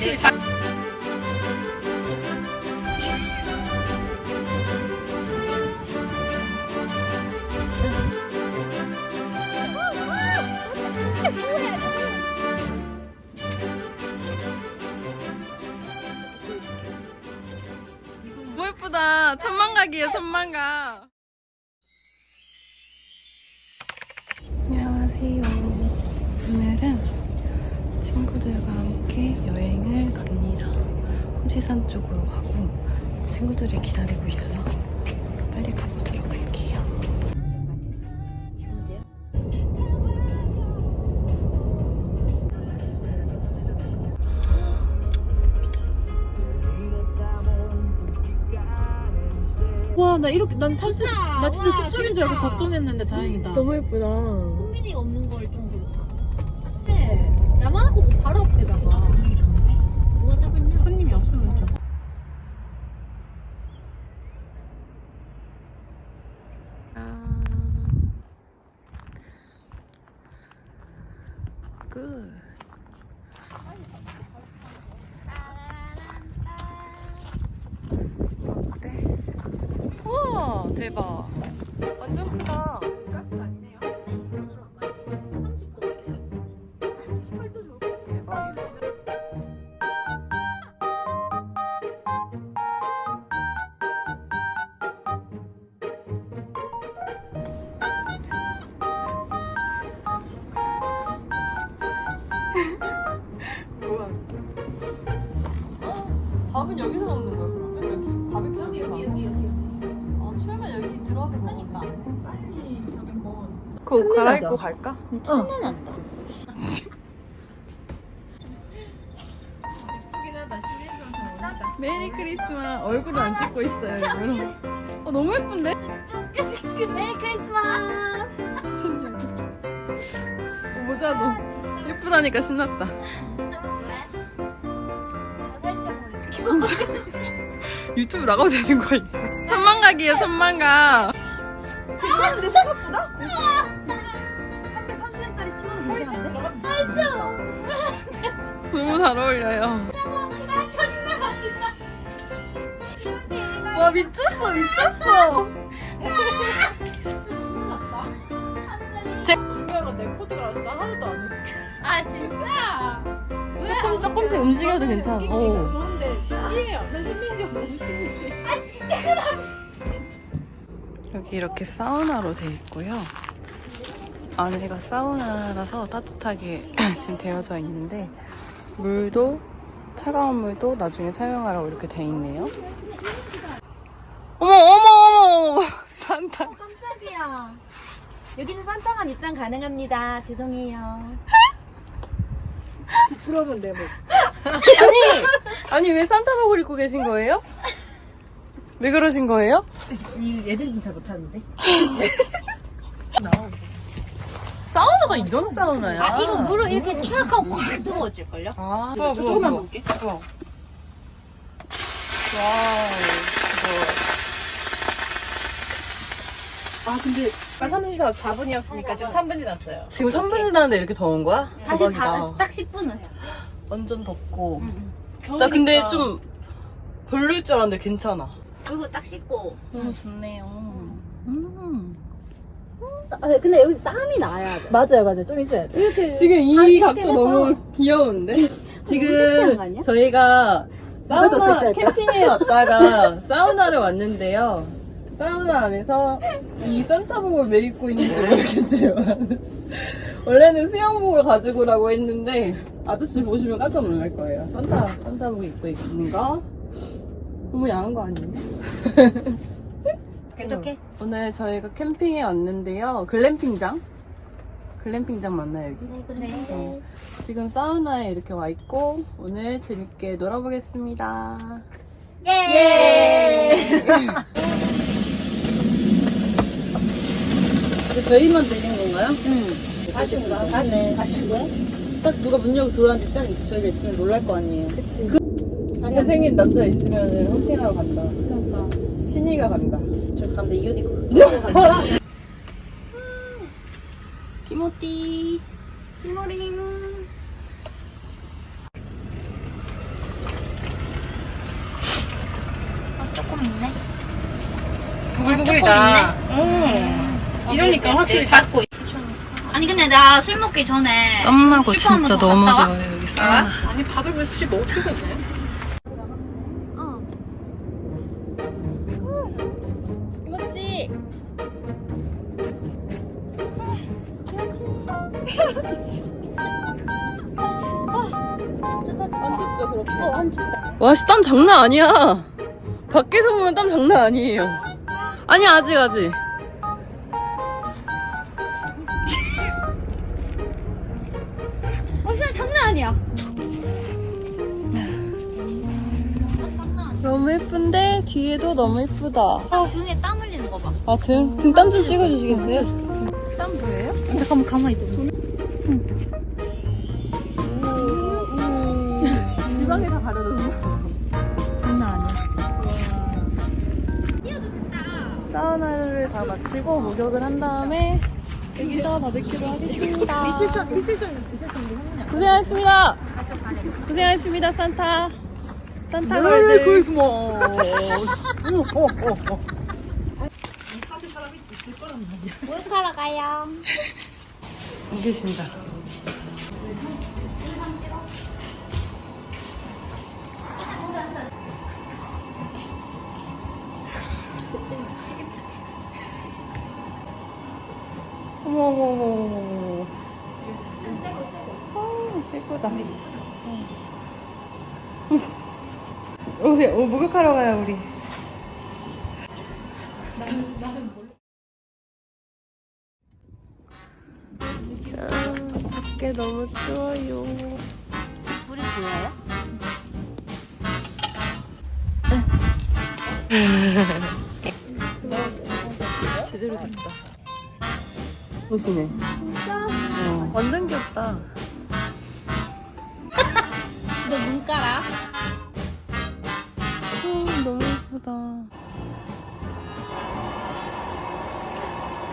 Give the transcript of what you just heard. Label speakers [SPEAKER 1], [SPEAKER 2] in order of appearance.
[SPEAKER 1] 확실히 너무 예쁘다. 천만각이에요, 천만각. 안녕하세요. 오늘은 친구들과 함께 여행을 갑니다. 후지산 쪽으로 가고 친구들이 기다리고 있어서 빨리 가보도록 할게요.
[SPEAKER 2] 와, 나 이렇게 난 사실 나 진짜 숲속인 줄 알고 걱정했는데 다행이다.
[SPEAKER 1] 너무 예쁘다.
[SPEAKER 3] 콤비니가 없는 걸 좀 그렇다. 근데 야만하고 뭐 바로 앞에다가 누가 잡았냐?
[SPEAKER 2] 손님이 없으면 좀.
[SPEAKER 1] 끝. 어때? 우와, 대박. 완전 크다. 가스가 아니네요.
[SPEAKER 3] 30도 어때요?
[SPEAKER 1] 대박이다. 밥은 여기서 먹는 거야, 그러면? 여기 바베큐
[SPEAKER 3] 여기.
[SPEAKER 1] 추우면 여기 들어와서 먹는다.
[SPEAKER 2] 빨리 저기 뭐.
[SPEAKER 1] 그 옷 갈아입고 갈까?
[SPEAKER 3] 탐난다.
[SPEAKER 2] 예쁘긴 하다. 실내에서 오니까.
[SPEAKER 1] 메리 크리스마스. 얼굴을 안 찍고 있어요, 일부러. 너무 예쁜데?
[SPEAKER 3] 메리 크리스마스.
[SPEAKER 1] 모자도 예쁘다니까 신났다.
[SPEAKER 3] 왜? 나 살짝 뭐 이렇게
[SPEAKER 1] 유튜브 나가도 되는 거야, 이거. 천만각이에요, 천만각.
[SPEAKER 2] 괜찮은데 생각보다? 330원짜리 치고는 괜찮은데?
[SPEAKER 1] 너무 잘 어울려요.
[SPEAKER 3] 나
[SPEAKER 1] 와, 미쳤어, 미쳤어.
[SPEAKER 3] 눈물 났다.
[SPEAKER 2] 중요한 건 내 코드가 아직 나 하나도 안 해.
[SPEAKER 3] 아 진짜?
[SPEAKER 1] 조금씩 움직여도 괜찮아.
[SPEAKER 2] 좋은데 신기해요. 난 신기한 게 너무 신기해.
[SPEAKER 1] 여기 이렇게 사우나로 돼 있고요. 안에가 사우나라서 따뜻하게 지금 되어져 있는데 물도 차가운 물도 나중에 사용하라고 이렇게 돼 있네요. 어머 산타.
[SPEAKER 2] 깜짝이야. 여기는 산타만 입장 가능합니다. 죄송해요. 부끄러우면 내 목.
[SPEAKER 1] 아니 왜 산타복을 입고 계신 거예요? 왜 그러신 거예요?
[SPEAKER 2] 이 애들은 잘 못하는데.
[SPEAKER 1] 사우나가 이런 사우나야?
[SPEAKER 3] 아 이거 물을 이렇게 촥 하고 확 뜨거워질걸요?
[SPEAKER 1] 아,
[SPEAKER 2] 조금만 볼게.
[SPEAKER 1] 와우, 이거.
[SPEAKER 2] 아 근데 30시간 4분이었으니까 지금 3분 지났어요.
[SPEAKER 1] 지금 3분 지났는데 이렇게 더운 거야?
[SPEAKER 3] 다시
[SPEAKER 1] 대박이다.
[SPEAKER 3] 딱 10분은
[SPEAKER 1] 완전 덥고.
[SPEAKER 3] 응.
[SPEAKER 1] 나 근데 좀 별로일 줄 알았는데 괜찮아.
[SPEAKER 3] 그리고 딱 씻고
[SPEAKER 1] 너무 좋네요.
[SPEAKER 3] 근데 여기 땀이 나야 돼
[SPEAKER 2] 맞아요. 좀 있어야 돼.
[SPEAKER 3] 이렇게
[SPEAKER 1] 지금 이
[SPEAKER 3] 이렇게
[SPEAKER 1] 각도
[SPEAKER 3] 해서
[SPEAKER 1] 너무 귀여운데?
[SPEAKER 3] 섹시한
[SPEAKER 1] 지금
[SPEAKER 3] 거 아니야?
[SPEAKER 1] 저희가
[SPEAKER 2] 누가 더
[SPEAKER 1] 사우나
[SPEAKER 2] 섹시할까?
[SPEAKER 1] 캠핑에 왔다가 사우나를 왔는데요. 사우나 안에서 이 산타복을 왜 입고 있는지 모르겠지만 원래는 수영복을 가지고 오라고 했는데 아저씨 보시면 깜짝 놀랄 거예요. 산타복 입고 있는 거 너무 야한 거 아니에요?
[SPEAKER 3] 이렇게
[SPEAKER 1] 오늘 저희가 캠핑에 왔는데요. 글램핑장 맞나요 여기?
[SPEAKER 3] 네.
[SPEAKER 1] 지금 사우나에 이렇게 와 있고 오늘 재밌게 놀아보겠습니다.
[SPEAKER 3] 예!
[SPEAKER 1] 근데 저희만 들린 건가요?
[SPEAKER 2] 다시네. 다시고요?
[SPEAKER 1] 딱 누가 문 열고 들어왔는데 딱 저희가 있으면 놀랄 거 아니에요.
[SPEAKER 2] 그치.
[SPEAKER 1] 잘생긴 남자 있으면 헌팅하러 간다.
[SPEAKER 2] 그러니까.
[SPEAKER 1] 신이가 간다.
[SPEAKER 3] 저 근데 이 옷 입고
[SPEAKER 1] 키모띠.
[SPEAKER 2] 티모링.
[SPEAKER 3] 조금 있네.
[SPEAKER 2] 구글구글이다. 이러니까 확실히
[SPEAKER 3] 작고. 아니 근데 나 술 먹기 전에
[SPEAKER 1] 땀나고
[SPEAKER 3] 슈퍼 한번
[SPEAKER 1] 진짜
[SPEAKER 3] 더
[SPEAKER 1] 너무
[SPEAKER 3] 갔다 와?
[SPEAKER 1] 좋아요 여기 사우나.
[SPEAKER 2] 아니 밥을 왜 굳이 먹을 필요가 없네.
[SPEAKER 1] 이거지. 안 춥죠 그렇게?
[SPEAKER 3] 안 춥다.
[SPEAKER 1] 와, 씨, 땀 장난 아니야. 밖에서 보면 땀 장난 아니에요. 아니, 아직.
[SPEAKER 3] 진짜 장난 아니야.
[SPEAKER 1] 너무 예쁜데, 뒤에도 너무 예쁘다.
[SPEAKER 3] 등에 땀 흘리는 거 봐.
[SPEAKER 1] 아, 등 땀 좀 찍어주시겠어요?
[SPEAKER 2] 땀 보여요?
[SPEAKER 3] 잠깐만 가만히 있어.
[SPEAKER 1] 지방이 다 가려졌어.
[SPEAKER 3] 장난 아니야. 뛰어도 된다.
[SPEAKER 1] 사우나를 다 마치고 목욕을 한 다음에 여기서 바베큐를 하겠습니다.
[SPEAKER 2] 리세션
[SPEAKER 1] 고생하셨습니다. 고생하셨습니다, 산타. 산타 걸들.
[SPEAKER 3] 목욕하러 가요.
[SPEAKER 1] 안 계신다. 어머머머머머. 예쁘다. 오세요. 목욕하러 가요, 우리. 밖에 너무 추워요.
[SPEAKER 3] 불이 보여요?
[SPEAKER 1] 제대로 됐다. 보시네. 진짜? 완전 귀엽다.
[SPEAKER 3] 너 눈가락?
[SPEAKER 1] 너무 예쁘다.